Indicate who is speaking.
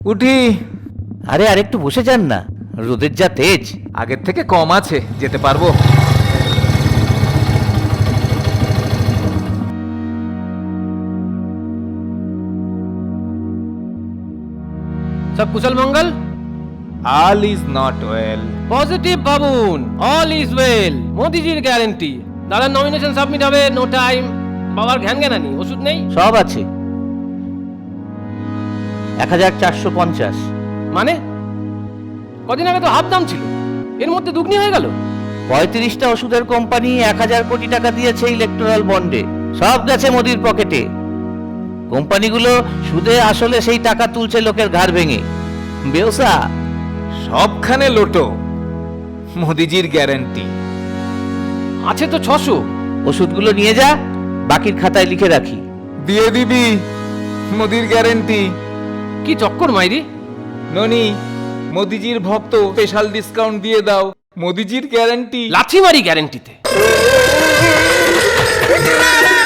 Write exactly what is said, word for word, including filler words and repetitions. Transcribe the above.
Speaker 1: উঠি।
Speaker 2: আরে আরেকটু বসে যান না, রোদের যা তেজ।
Speaker 1: আগের থেকে কম আছে, যেতে পারবো।
Speaker 3: সব কুশল মঙ্গল?
Speaker 1: All is not well.
Speaker 3: Positive ভাবুন, অল ইজ ওয়েল। মোদিজির গ্যারেন্টি। দাদার নমিনেশন সাবমিট হবে, নো টাইম। বাবার ঘ্যান জ্ঞানানি, ওষুধ নেই?
Speaker 2: সব আছে। এক হাজার চারশো পঞ্চাশ।
Speaker 3: মানে কদিন আগে তো হাফ দাম ছিল, এর মধ্যে দুগ্নি হয়ে গেল।
Speaker 2: পঁয়ত্রিশটা ওষুধের কোম্পানি এক হাজার কোটি টাকা দিয়েছে ইলেকট্রাল বন্ডে, সব গেছে মোদির পকেটে। কোম্পানিগুলো সুদে আসলে সেই টাকা তুলছে লোকের ঘাড় ভেঙে। বেওসা
Speaker 1: সবখানে লোটো, মোদিজির গ্যারান্টি।
Speaker 3: আছে তো ছশো।
Speaker 2: ওষুধগুলো নিয়ে যা, বাকির খাতায় লিখে রাখি।
Speaker 1: দিয়ে দিবি মোদির গ্যারান্টি।
Speaker 3: কি চক্কর মাইরি।
Speaker 1: ননি, মোদিজির ভক্ত, স্পেশাল ডিসকাউন্ট দিয়ে দাও। মোদিজির গ্যারান্টি।
Speaker 3: লাথি মারি গ্যারেন্টিতে।